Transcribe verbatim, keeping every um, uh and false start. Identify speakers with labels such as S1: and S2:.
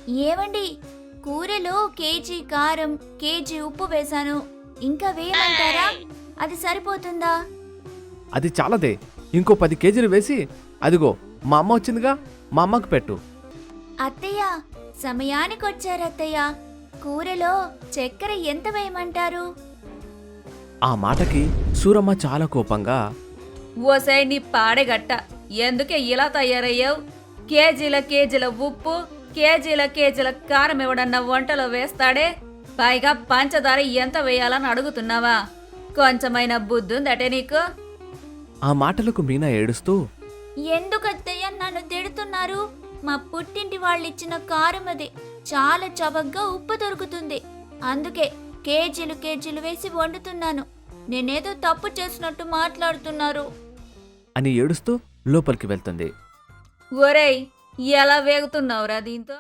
S1: ఏవండి, కూరలో కేజీ కారం, కేజీ ఉప్పు వేశాను. ఇంకా వేయమంటారా? అది సరిపోతుందా?
S2: అది చాలదే, ఇంకో పది కేజీలు వేసి అదిగో మా అమ్మ వచ్చిందిగా, మా అమ్మకు పెట్టు.
S1: అత్తయ్య, సమయానికొచ్చారత్తయ్య. కూరలో చక్కెర ఎంత వేయమంటారు?
S2: ఆ మాటకి సూరమ్మ చాలా కోపంగా,
S3: ఓసై నీ పాడెగట్ట, ఎందుకే ఇలా తయారయ్యావు? కేజీల కేజీల ఉప్పు, కేజీల కేజీల కారం ఎవడన్నా వంటలో వేస్తాడే? పైగా పంచదార ఎంత వేయాలని అడుగుతున్నావా? కొంచెమైనా బుద్ధుందటే నీకు?
S2: ఆ మాటలకు మీనా ఏడుస్తూ,
S1: ఎందుకత్తయ్య నన్ను తిడుతున్నారు? మా పుట్టింటి వాళ్ళిచ్చిన కారం అది. చాలా చవకగా ఉప్పు దొరుకుతుంది. అందుకే కేజీలు కేజీలు వేసి వండుతున్నాను. నేనేదో తప్పు చేసినట్టు మాట్లాడుతున్నారు
S2: అని ఏడుస్తూ లోపలికి వెళ్తుంది.
S3: ఒరేయ్, ఎలా వేగుతున్నావురా దీంతో?